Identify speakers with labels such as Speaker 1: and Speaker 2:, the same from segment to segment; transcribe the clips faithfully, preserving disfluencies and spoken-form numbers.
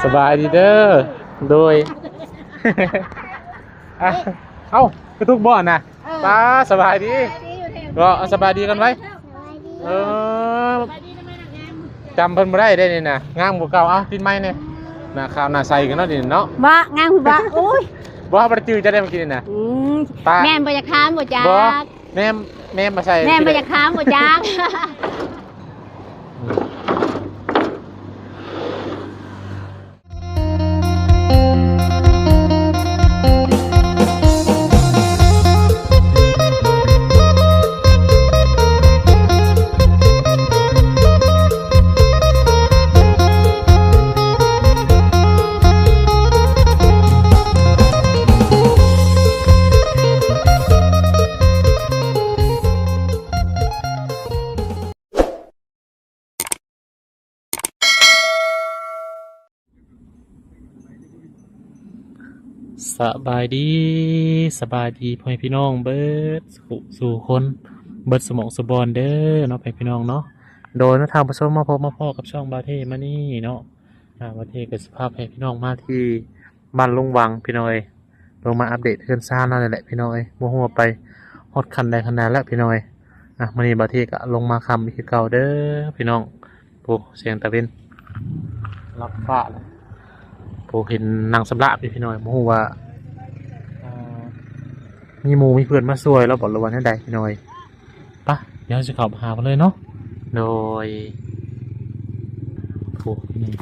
Speaker 1: สบายดีเด้อโดยเอ้ากระทุกบ่อนนะป้าสบายดีก็สบายดีกันไว้เออจำเพิ่นบ่ได้ได้นี่นะงามกว่าเก่าเอ้าติดไม้เนี่ยหน้าขาวหน้าใสกันเนาะนี่เนาะ
Speaker 2: บ่งามบ่โอ้ย
Speaker 1: บ่บ่ได้จื้อจะได้มากินน่ะ
Speaker 2: อืมแม่นบ่อยากค้ามบ่จัก
Speaker 1: บ่แม่แม่มาใส่
Speaker 2: แม่นบ่อยากค้ามบ่จัก
Speaker 1: สบายดีสบายดีพ่อพี่น้องเบิดสู่คนเบิดสมองสบอนเด้อเนาะพ่อพี่น้องเนาะโดยนักทางประชมมาพบมาพ่อกับช่องบาเทมานี่เนาะบาเทกับสภาพให้พี่น้องมาที่บ้านลุงวังพี่น้อยลงมาอัปเดตเพื่อนซ่านั่นแหละพี่น้อยมัวหัวไปฮอดคันใดคันนั้นแล้วพี่น้อยอ่ะมานี่บาเทก็ลงมาคำอีกเก่าเด้อพี่น้องโอ้เสียงตะเวนรับฟ้าเลยผมเห็นนางสำลักพี่น้อยโมโหว่ามีหมูมีเพื่อนมาช่วยแล้วบอกระวันให้ได้พี่น้อยปะเดี๋ยวจะขับหาไปเลยเนาะโดยโอ้นี่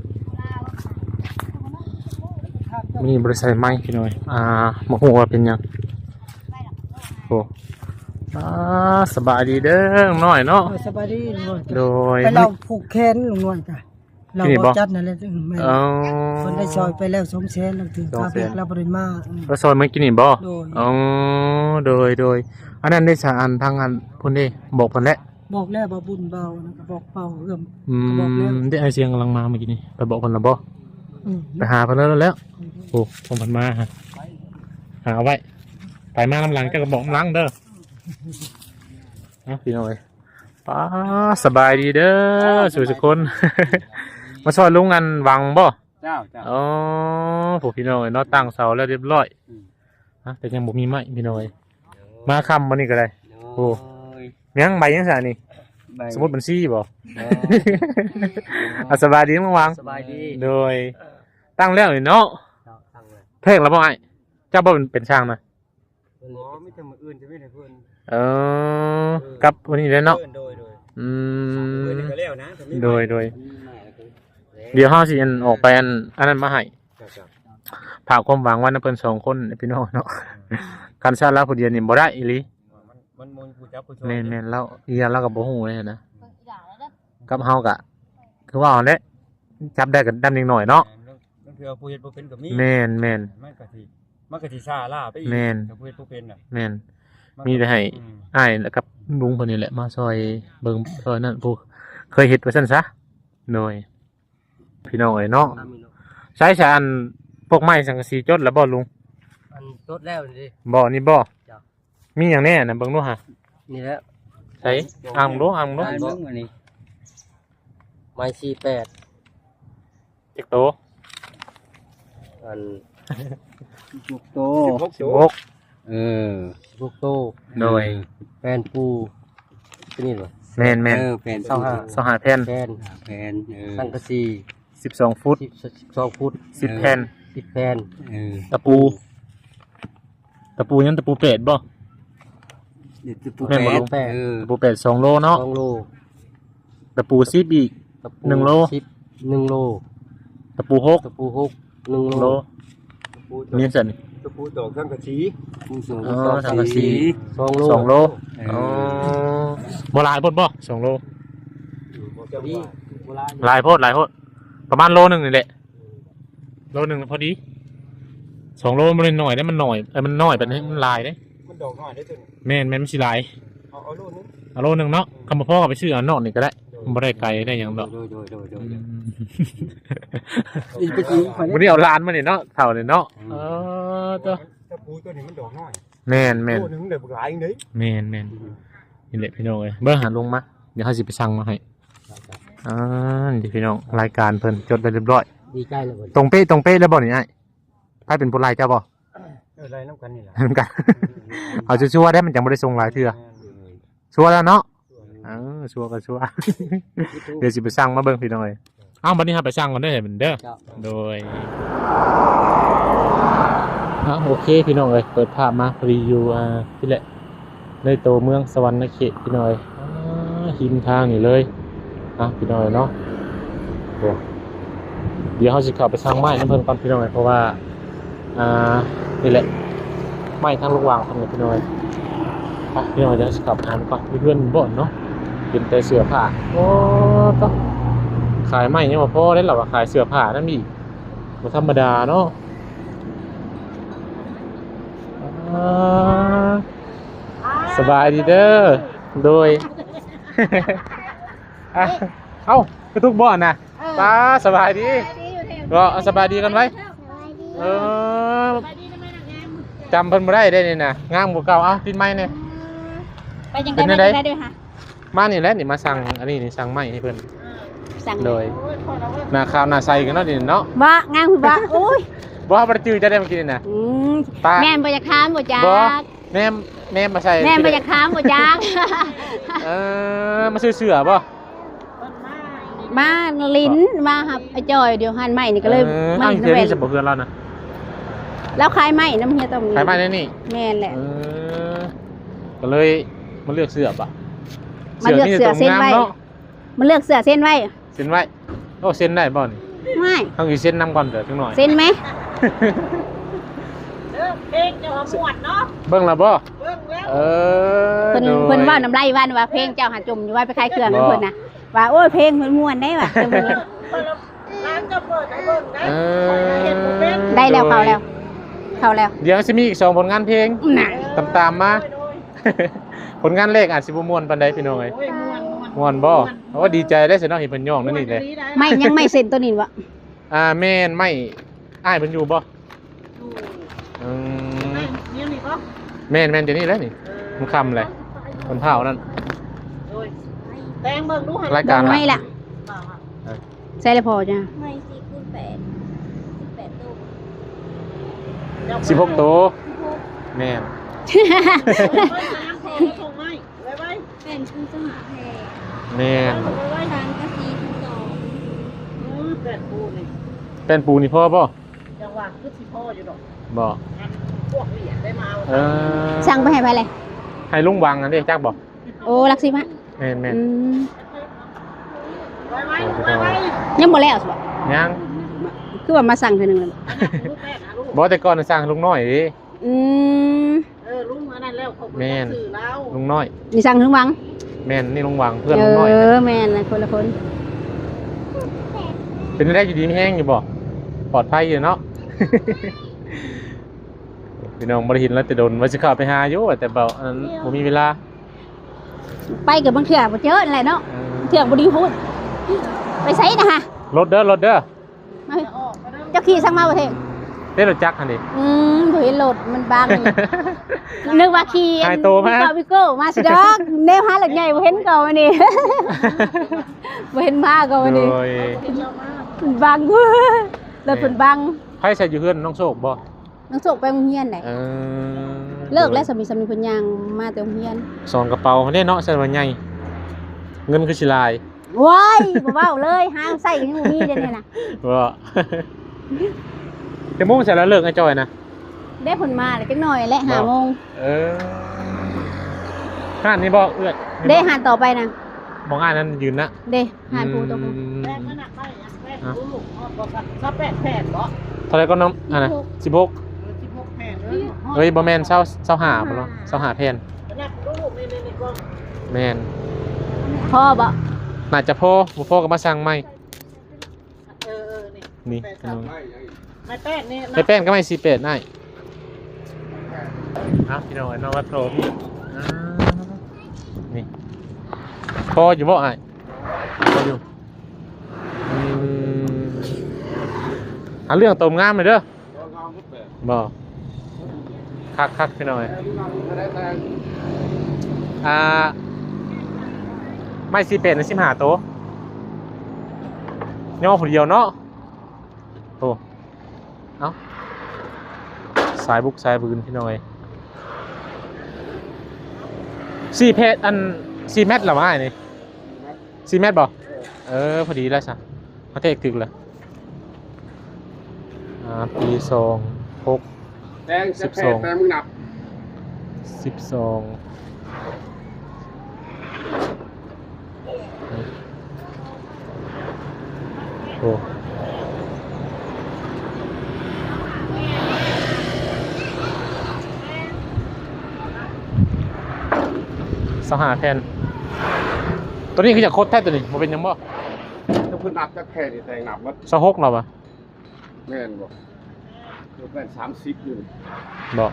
Speaker 1: มีบริษัทไม้พี่น้อยอ่าโมโหว่าเป็นยังโอ้อ่าสบายดีเด้อน้อยเนาะ
Speaker 3: สบายดี
Speaker 1: โดย
Speaker 3: ไปเราผูกแขนลุงน้อยจ้ะเราบ่จัดนั่นแหละแม่คนได้ซอยไปแล้วสองแสนแล้วถึงค่าเบียกเราบ่ได้มา
Speaker 1: แล้วซอยมันกินนี่บ่อ๋อโดยโดยอันนั้นได้สาอันทางอันพุ่นเด้บอกเพิ่นแล้ว
Speaker 3: บอกแล้วบ่บุญเบานะก็บอกเบาเอื้อม
Speaker 1: อืมได้ไอเสียงกำลังมาเมื่อกี้นี่ไปบอกเพิ่นแล้วบ่ไปหาเพิ่นแล้วแล้วโอ้ผมเพิ่นมาฮะหาเอาไว้ไปมาลำหลังจะก็บอกลำหลังเด้อเอาพี่น้อยป้าสบายดีเด้อสุขคนมาช่วยลุงอันวังบ่
Speaker 4: เจ้าเจ้า
Speaker 1: อ๋อผู้พี่น้อยเนาะตั้งเสาแล้วเรียบร้อยฮะแต่ยังบ่มีไม้พี่น้อยมาค่ำวันนี้ก็ได้โอ้ยังใบยังสานี่สมมุติบัญชีบ่สบายดีมั้งวัง
Speaker 4: สบายดี
Speaker 1: โดยตั้งแล้วนี่เนาะเพ่งแล้วบ่ไอ้เจ้าบ่เป็นช่างนะ
Speaker 4: อ๋อไม่ทำมืออื่นจะไม่ได้เพิ่น
Speaker 1: เออกับวันนี้เลยเนาะอืมโดยโดยเดี๋ยวห้าสิอันออกไปอันอันนั้นมาให้ผ่าความหวังว่านักเพิ่นสองคนพี่น้องเนาะการชาติแล้วผู้เดียวนี่บ่ได้อีหลีแม่นแม่นแล้วอีหยังเราก็บ่ฮู้เลยนะกับเฮาก็คือว่าเอาเด้จับได้กันดำนิดหน่อยเนาะ
Speaker 4: มันคือผู้เฮ็ดบ่เป็นก็มี
Speaker 1: แม่นแม่น
Speaker 4: มันก็สิมันก็สิซ่าล่าไปอีกกับผู้เฮ็ดบ่เป็นน่ะ
Speaker 1: แม่นมีแต่ให้อ้ายแล้วกับลุงเพิ่นนี่แหละมาซอยเบิ่งซอยนั่นผู้เคยเฮ็ดว่าซั่นซะหน่อยพี่น้องเอ้ยเนาะใช้ชาอันพวกไม้สังกะสีจดแล้วบ่ลุง
Speaker 4: อันจดแล้วนี่
Speaker 1: บ่นี่บ่มีหยังแน่น่ะเบิ่งดูหะ
Speaker 4: นี่แล้ว
Speaker 1: ใช้อ่างดูอ่างดู
Speaker 4: เบิ่งอันนี้ไม้สี่สิบแปด
Speaker 1: จักโต
Speaker 4: อันหกโต
Speaker 1: สิบหก
Speaker 4: เออหกโต
Speaker 1: โดย
Speaker 4: แผ่นปูเป็นนี่บ่
Speaker 1: แม่นๆ
Speaker 4: เออแผ่น
Speaker 1: ยี่สิบห้า ยี่สิบห้าแผ่น
Speaker 4: แผ่นแผ่นเออสังกะสี
Speaker 1: สิบสองฟุต
Speaker 4: สิบสองฟุต
Speaker 1: สิบแผ่น
Speaker 4: สิบแผ่นเออ
Speaker 1: ตะปูตะปูยังตะปูเป็ดบ่
Speaker 4: ตะปูเป็ดเออ
Speaker 1: ตะปูเป็ดสองโลเนาะ
Speaker 4: สองโล
Speaker 1: ตะปูสิบอีกหนึ่งโล
Speaker 4: สิบหนึ่งโล
Speaker 1: ตะปูหก
Speaker 4: ตะปูหกหนึ่งโล
Speaker 1: มีสั่น
Speaker 4: ตะปูตอกสังกะสี
Speaker 1: อ๋อสังกะสี
Speaker 4: สองโล
Speaker 1: สองโลอ๋อบ่หลายโพดบ่สองโลหลายโพดหลายโพดประมาณโลนึงนี่แหละโลนึงพอดีสองโลมันหน่อยได้มันหน่อยไอ้มันน้อยแบบนี้มันลายได้
Speaker 4: มันดอกน้อยได้ตัว
Speaker 1: แม่นแม่นมันสิหลาย
Speaker 4: เอาเอาโลนึง
Speaker 1: เอาโลนึงเนาะคำพ่อก็ไปซื้อเอานอกนี่ก็ได้มันบ่ได้ไกลได้หยังดอกวันนี้เอาล้านมานี่เนาะเท่านี่เนาะเออตัว
Speaker 4: ตะปูตัวนี้มันดอกน้อย
Speaker 1: แม่นแม่น
Speaker 4: โลนึงได้บ่หลายจังได๋
Speaker 1: แม่นแม่นนี่แหละพี่น้องเอ้ยเบิ่งหาลงมาเดี๋ยวเฮาสิไปสั่งมาให้อ่านี่พี่น้องรายการเพิ่นจดได้เรียบร้อย
Speaker 4: ดีใจเลย
Speaker 1: ตรงเป๊ะตรงเป๊ะแล้วบ่นี่ไอ้ไผเป็นผู้ไล่เจ้าบ่
Speaker 4: อะไรน้ำกันนี่แหละ
Speaker 1: เหมือนกัน เอาชัวร์ๆได้มันจังบ่ได้ส่งหลายเทื่อชัวร์แล้วเนาะเออชัวร์ก็ชัวร์ เดี๋ยวสิไปสั่งมาเบิ่งพี่น้อยเอ้าบัดนี้เฮาไปสั่งก่อนเด้อเหมือนเด้อโดยอ่ะโอเคพี่น้องเอ้ยเปิดภาพมารีวิวอ่าที่แหละในตัวเมืองสวรรณเขตพี่น้อยอ่าหินทางนี่เลยอ่ะพี่น้อยเนาะโอ้เดี๋ยวเฮาสิเข้าไปสั่งไม้น้ำเพิ่นก่อนพี่น้อยเพราะว่าอ่านี่แหละไม้ทางลูกวางทางนี้พี่น้อยอ่ะพี่น้อยเดี๋ยวสิเข้าไปหาก่อนมีเพื่อนบ่นเนาะเป็นแต่เสื้อผ้าโอ้ต้องขายไม้ยังบ่พอได้หรอว่าขายเสื้อผ้านั่นอีกบ่ธรรมดาเนาะอ่าสบายดีเด้อโดย อ่ะเอ้ากระตุกบ่อนน่ะตาสบายดีก็สบายดีกันไว้เออจำเพิ่นบ่ได้ได้นี่น่ะงามกว่าเก่าเอ้าติดไม้เนี่ย
Speaker 2: ไปจังได้ไหมได้ด้วยค่ะ
Speaker 1: มานี่แหละนี่มาสั่งอันนี้นี่สั่งไม้ให้เพิ่น
Speaker 2: สั่ง
Speaker 1: โดยหน้าขาวหน้าใสกันเนาะนี่เนาะ
Speaker 2: บ่งามคือบ่โอ้ย
Speaker 1: บ่ว่าบ่ได้จื้อจะได้มากินนี่น่ะ
Speaker 2: อืม
Speaker 1: ตา
Speaker 2: แม่นบ่อยากค้ามบ่จัก
Speaker 1: บ่แม่แม่มาใส่
Speaker 2: แม่นบ่อยากค้ามบ่จัก
Speaker 1: เออมาซื้อเสื้อบ่
Speaker 2: มาลิ้นมาครับไอ้จอยเดี๋ยวหันใหม่นี่ก็เลย
Speaker 1: เออ
Speaker 2: ไม่
Speaker 1: เอ้า
Speaker 2: น้ำ
Speaker 1: เดี๋ยว
Speaker 2: เว
Speaker 1: นี้
Speaker 2: น
Speaker 1: จะบ่เพื่อนเรานะ
Speaker 2: แล้วคลายไหมน้ำเฮียต้อง
Speaker 1: ขายไม้ได้นี่
Speaker 2: แม่นแหละ
Speaker 1: เออก็เลยมาเลือกเสื้อป่ะ
Speaker 2: มาเลือกเสื้อเส้นไว้
Speaker 1: เนาะ
Speaker 2: มันเลือกเสื้อเส้นไว้
Speaker 1: เส้นไว้โอ้เส้นได้บ่นี่
Speaker 2: ไม่
Speaker 1: ต้องอีเส้นนำก่อนเดี๋ยวจังหน่อย
Speaker 2: เส้นไหม
Speaker 3: เพลงจะหมวดเนาะ
Speaker 1: เบิ่งแล้วบ่
Speaker 3: เบิ่งแล้ว
Speaker 1: เออ
Speaker 2: เพิ่น
Speaker 1: โดย
Speaker 2: เพิ่นว่าน้ำลายว่านว่าเพลงเจ้าหาจมอยู่ว่าไปขายเครื่องให้เพิ่นน่ะว่าโอ้ยเพลงมันม่วนได้ว่ะเดี๋ยวมัน
Speaker 3: ร้านจะเปิดให้เบิ่งนะ
Speaker 1: เออ
Speaker 3: เห็นบ่เป็น
Speaker 2: ได้แล้วเข้าแล้วเข้าแล้ว
Speaker 1: เดี๋ยวสิมีอีกสองผลงานเพลง
Speaker 2: น่ะ
Speaker 1: ตามๆมา ผลงานเลขอาจสิบ่ม่วนปานใดพี่น้องเอ้ย
Speaker 3: โอ้ยม่วนม่วน
Speaker 1: ม่วนบ่โอ้ดีใจได้สิเนาะเห็นเพิ่นย่องนั่นนี่เลย
Speaker 2: ไม่ยังไม่เซ็นตัวนี้วะ
Speaker 1: อ่าแม่นไม่อ้ายเพิ่นอยู่บ่อืม
Speaker 3: นี่นี่บ่
Speaker 1: แม่นแม่นเดี๋ยวนี้แหล้วนี่มันค่ำเลยมันเผานั่น
Speaker 3: โอ้ยแตงเบิ่งดูให้
Speaker 1: รายการ
Speaker 2: ไม่ละใส่เลยพอจ้ะ
Speaker 5: ไม่สี่คูณแปดสิบแปดตู้
Speaker 1: สิบหกตัวแม่น
Speaker 3: ส่งให้ไว้ไว้
Speaker 5: เป็นคูณสหแพร
Speaker 1: แม่น
Speaker 3: ไว้
Speaker 5: ทางกะซีคูณสอง
Speaker 3: มือเกิดปูนี่
Speaker 1: เป็นปูนี่พ่อบ่
Speaker 3: จังหวะคือสิพ่ออยู่ดอก
Speaker 1: บ่
Speaker 3: อันพวกเหรียญได้มา
Speaker 1: เออ
Speaker 2: สั่งไปให้ไปเลย
Speaker 1: ให้ลุงวังอันนี้จักบ่
Speaker 2: โอ้ลักซิมะ
Speaker 1: แม่นแม่น
Speaker 2: อืม
Speaker 3: ไว้ไว้ไว้ไว้
Speaker 2: ยังบ่แล้วสิบ่
Speaker 1: ยัง
Speaker 2: คือว่ามาสั่งเท่านึงแล้ว
Speaker 3: ลูกแม่นะลูก
Speaker 1: บ่แต่ก่อนน่ะสร้างลุงน้อยดิ
Speaker 2: อืม
Speaker 3: เออลุงอันนั้นแล้วเขา
Speaker 1: แม่น
Speaker 3: สื่อแล้ว
Speaker 1: ลุงน้อย
Speaker 2: นี่สั่งถึงวัง
Speaker 1: แม่นนี่ลุงวังเพื่อน
Speaker 2: เอ
Speaker 1: ลุงน้อย
Speaker 2: อแม่นนะคนละคน
Speaker 1: เป็นได้อยู่ดีมีแห้งอยู่บ่ปลอดภัยอยู่เนาะ พี่น้องบ่ได้เห็นแล้วแต่โดนว่าสิเข้าไปหาอยู่แต่เบ่อันนั้นบ่มีเวลา
Speaker 2: ไปกับบางเถื่อบ่เจอนั่นแหละเนาะ
Speaker 1: เออ
Speaker 2: เถื่อบ่ดีพูดไปไสนะฮะ
Speaker 1: รถเด้อรถเด้อ
Speaker 2: มาเฮ้ยเจ้าขี่สั่งมาบ่เท่
Speaker 1: เด้รถจักรหั่นดิ
Speaker 2: อืมบ่เห็นรถมันบัง นึกว่าขี่
Speaker 1: หายตัวมา
Speaker 2: วิโก้มาสิดอกแนวหาหลักใหญ่บ่เห็นก่อนวันนี้ บ่เห็นมาก่อนวันนี้
Speaker 1: โดย
Speaker 2: มันบัง รถเพิ่นบัง
Speaker 1: ไผใส่อยู่เฮือนน้องโชคบ่
Speaker 2: น้องโศกไปโรงเรียนได้
Speaker 1: เออ
Speaker 2: เลิกแล้วสามีสามีเพิ่นย่างมาแต่โรงเรียน
Speaker 1: สองกระเป๋าเด้เนาะใส่ว่าใหญ่เงินคือสิหลาย
Speaker 2: ว้ายบ่เว้าเลยหางใส่ยังบ่มีเด้เนี่ยน่ะ
Speaker 1: บ่ แต่โมงใส่แล้วเลิกไอ้จอยนะ
Speaker 2: ได้เพิ่นมาแล้วจักหน่อยและห้าโมง
Speaker 1: เออห้านนี่บ่เอื้อย
Speaker 2: ได้หานต่อไปนะ
Speaker 1: มองอ่านนั้นยืนนะ
Speaker 2: เด้หานปูตัวปู
Speaker 1: อืม
Speaker 3: แป้งมันหนักไปอ่ะแป้งลูกอ๋อบอกกันถ้าแป้งแผ่นเหรอ
Speaker 1: เท่าไหร่ก็น้ำอ่ะนะสิบหก
Speaker 3: สิบหกแผ่นเลย
Speaker 1: เฮ้ยบ่แม่นเศร้าเศร้าหาบ่เนาะเศร้าหาแผ่น
Speaker 3: หนักลูกนี่นี่นี่ก็
Speaker 1: แม่น
Speaker 2: พ่อบ่
Speaker 1: น่าจะพอบ่พอก็มาสั่งใหม่
Speaker 3: เออเออนี่
Speaker 1: นี่
Speaker 3: แป้งครับไม่แป้งนี่
Speaker 1: ไอ้แป้นก็ไม่สิบแปดได้อ้าวพี่น้องไอ้น้องวัดโตพี่อ่านี่พออยู่บ่อ้ายพออยู่อืมหาเรื่องตมงามเลยเด้อบ่คักคักพี่น้อยอ่าไม่สิเป็ดนะสิบห้าโตย่อผู้เดียวเนาะโอ้เอ้าสายบุกสายบืนพี่น้อยสี่เพจอันสี่เมตรหรอวะไอ้นี่สี่เมตรบ่เออพอดีแล้วสิเขาเทกถึกเลยอ่าปีสองหก
Speaker 6: แดงจะแพ้แดงมึงนับ
Speaker 1: สิบสองโอ้สหาแทนตัวนี้คือจะโคตรแท้ตัวนี้มันเป็นยังบ่
Speaker 6: ถ้าเพิ่นนับจะแพ้นี่แดงนับว่า
Speaker 1: สะฮกเราปะ
Speaker 6: แม่นบ่คือเป็นสามสิบอยู่
Speaker 1: บอก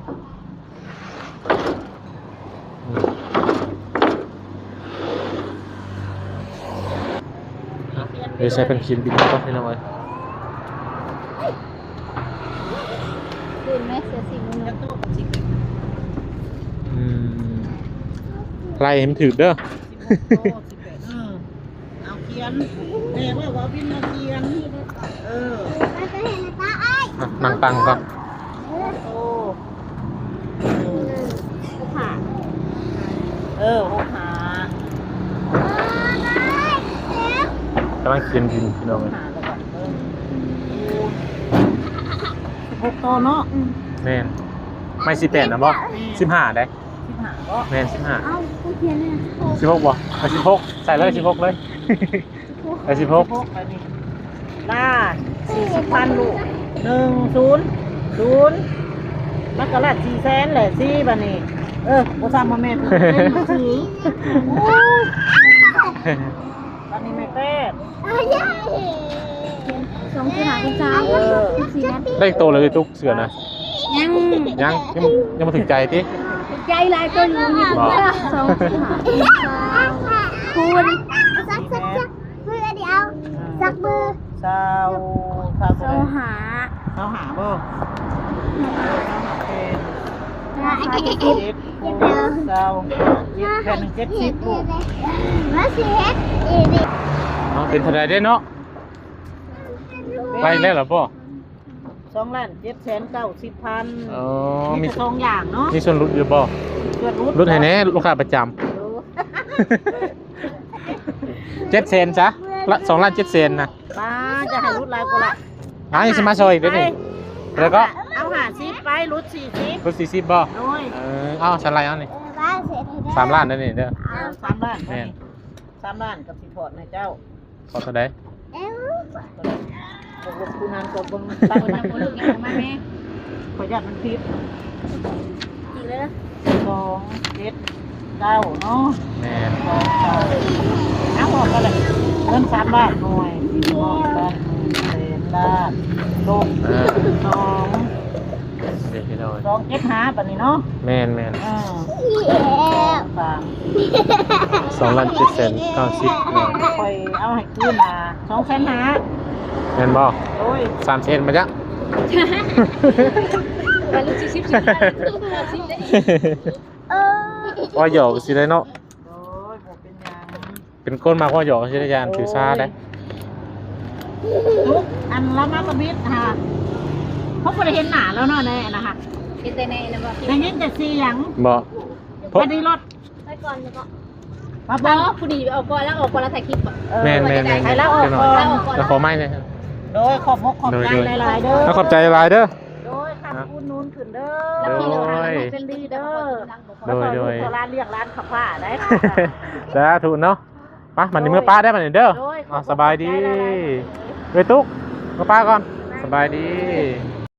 Speaker 1: เดี๋ยวใช้เป็นครีมบินก็ให้น้อย
Speaker 5: คืนแม่เสียสิ่งนึง
Speaker 1: อืมไล่เห็นถือเด้อ
Speaker 3: เอาเขียนแม่ว่าว่าวินเอาเขียนเออ
Speaker 1: อ่ะนั่งตังก่อน
Speaker 3: โอ้
Speaker 5: ผ่า
Speaker 3: เออหกหาก
Speaker 1: ำลังเขียนบินพี่น้องเลย
Speaker 3: หาแล้วก่อนเออหกโตเนาะ
Speaker 1: แม่นไม่สิบแปดนะบ่สิบห้าได้
Speaker 3: สิบห้าก็
Speaker 1: แม่นสิบห้า
Speaker 5: เอ้ากูเพียนเนี่ย
Speaker 1: สิบหกบ่ไปสิบหกใส่เลยสิบหกเลยไปสิบหก
Speaker 3: หกไปนี่ล่าสี่สิบพันลูกหนึ่งศูนย์ศูนย์มันก็ละสี่แสนแหละสี่บันนี้เออโอซามาเมตรถือบันนี้ไม่เต้
Speaker 5: สองจุดห้าเป็นสามสี่นัด
Speaker 1: ได้โตเลยตุ๊กเสือนะ
Speaker 5: ยัง
Speaker 1: ยังยังยังมาถึงใจติ
Speaker 5: ใจลายตัวอยู่นี่สองจุดห้าเป็นสามคูณสักสักสักมือเดียวสักมือ
Speaker 3: สาวสาว
Speaker 5: โซ
Speaker 3: เท่าไหร่
Speaker 5: หา
Speaker 3: สาวหาบ่เป็น
Speaker 5: ราคาจะ
Speaker 3: เจ็
Speaker 5: คิด
Speaker 3: ดสาวเจ็ดแผ่นหนึ่งเจ็ดสิบลูก
Speaker 5: มาสิเฮ็ดอีนี่
Speaker 1: เอาเป็นเท่าไรได้เนาะไล่แล้วเหรอพ่อ
Speaker 3: สองล้านเจ็ดแสนเก้าสิบพัน
Speaker 1: อ๋อ
Speaker 3: มี
Speaker 1: มี
Speaker 3: สองอย่างเนาะ
Speaker 1: มีส่วนลดอยู่บ่
Speaker 3: เพื่อนรุด
Speaker 1: ลดให้แน่ลูกค้าประจำเจ็ดเซนจ้ะละสองล้านเจ็ดเซนนะ
Speaker 3: ป้าจะให้รุดหลายกว่าละ
Speaker 1: อ่ะยังสิมาซอยอีกเด้อนี่แล้วก็
Speaker 3: เอาหาสิบไปรุดสี่สิบ
Speaker 1: ลดสี่สิบบ่
Speaker 3: โดย
Speaker 1: เออเอาชั้นไรเอานี่
Speaker 5: บ้านเสร็จให้ได้
Speaker 1: สามล้านนั่นนี่เด้อ
Speaker 3: เอาสามล้าน
Speaker 1: แม่น
Speaker 3: สามล้านกับสิพอร์ตนะเจ้า
Speaker 1: ขอเท่าใด
Speaker 5: เอ้า
Speaker 3: ตกลงคุณนานตกลงตั้งนะคนลูกยังมาแม่ขออนุญาตมันพิษ
Speaker 5: อีกแล้ว
Speaker 3: สองเจ็ดเก้าเนาะ
Speaker 1: แม่น
Speaker 3: สองเก้าเอาออกกันเลยเงินสามล้านหน่วยสี่หกล้านเศษล้านลง
Speaker 1: เออ
Speaker 3: สอง
Speaker 1: เดี๋ยวพี่น้อย
Speaker 3: สองเจ็ดห้าปันนี้เนาะ
Speaker 1: แม่นแม่น
Speaker 3: อ่า
Speaker 5: อีเอ๋
Speaker 3: สาม
Speaker 1: สองล้านเจ็ดแสนเก้าสิบเนาะ
Speaker 3: คอยเอาให้คืนมาสองแสนห้า
Speaker 1: แม่นบ่
Speaker 3: โอ้ย
Speaker 1: สามเซนมาจ้ะ
Speaker 5: ไปลูกสิบสิบสิบสิบเออ
Speaker 1: ว่าหยอกสิได้เนาะ
Speaker 3: โอ้ยผมเป็นหยัง
Speaker 1: เป็นก้นมากว่าหยอกสิได้ยานถือซาได้
Speaker 3: ทุกอันละมากระบิดค่ะเขาไม่ได้เห็นหนาแล้วเนาะแน่นะคะ
Speaker 5: เห็นแต่ในนะบอก
Speaker 3: ได้ยินแต่เสียง
Speaker 1: บ่เพราะ
Speaker 3: พอดีรถ
Speaker 5: ไปก่อนแล้วก็
Speaker 3: มา
Speaker 5: บบ อ
Speaker 3: อก
Speaker 5: ผู้ดีออกก่อนแล้วออกก่อนแล้วถ่ายคลิปก่อน
Speaker 3: เออ
Speaker 1: แม่นแม่นแม่น
Speaker 3: ให้แล้วออก
Speaker 1: เดี๋ยวหน่
Speaker 3: ก่
Speaker 1: อ
Speaker 3: อย น
Speaker 1: แล้วขอไม้เลยครับ
Speaker 3: โดยขอบมกขอบใจ
Speaker 1: โดย
Speaker 3: หลายๆเด้อ
Speaker 1: แล้วขอบใจหลายเด้อ
Speaker 3: โดยขับคุณนูนขึ้นเด้
Speaker 1: โด
Speaker 3: อย เป็นดีเด้อ
Speaker 1: โดยโดย
Speaker 3: แล้วก็ลูกร้านเรียกร้านขับผ้าได้ค่ะ
Speaker 1: สาธุเนาะไปมันนี่เมื่อป้าได้มันนี่เด้อ
Speaker 3: โดยข
Speaker 1: อ่ะ
Speaker 3: อบคุณ
Speaker 1: สบายดี
Speaker 3: ขอบใจหลาย
Speaker 1: เวตุ๊กเมื่อป้าก่อน สบายดี
Speaker 3: ๆ